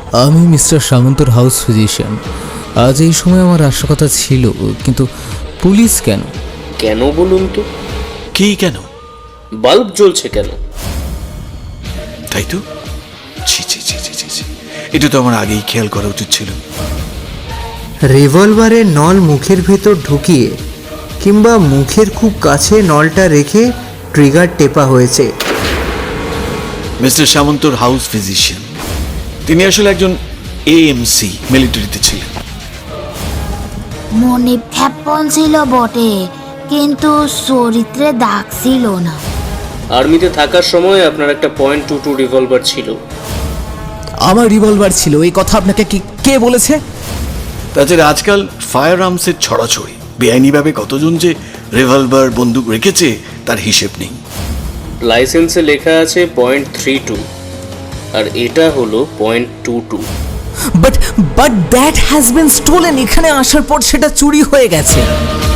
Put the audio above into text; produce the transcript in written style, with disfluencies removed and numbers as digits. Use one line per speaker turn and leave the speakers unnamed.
আমি mister সামন্তর house physician. আজ এই সময় আমার আসার কথা ছিল, কিন্তু পুলিশ কেন?
কেন বলুন তো?
কি কেন?
বাল্ব জ্বলছে কেন?
তাই তো, ছি ছি ছি ছি ছি ছি, এটা তো আমার আগেই খেয়াল করা উচিত ছিল।
রিভলভারের নল মুখের ভেতর ঢুকিয়ে কিংবা মুখের খুব কাছে নলটা রেখে ট্রিগার টেপা হয়েছে।
মিস্টার সামন্তর হাউস ফিজিশিয়ান, তিনি আসলে একজন এএমসি, মিলিটারিতে ছিলেন।
মনে ফ্যাপন ছিল বটে, কিন্তু চরিত্রে দাগ ছিল না।
আর্মিতে থাকার সময় আপনার একটা .22 রিভলভার ছিল।
আমার রিভলভার ছিল, এই কথা আপনাকে কে বলেছে?
তাছাড়া আজকাল ফায়ার আর্মসের ছড়াছড়ি, বেআইনিভাবে কতজন যে রিভলভার বন্দুক রেখেছে তার হিসেব নেই।
লাইসেন্সে লেখা আছে .32, আর এটা হলো .22।
But that has been stolen. এখানে আসার পর সেটা চুরি হয়ে গেছে।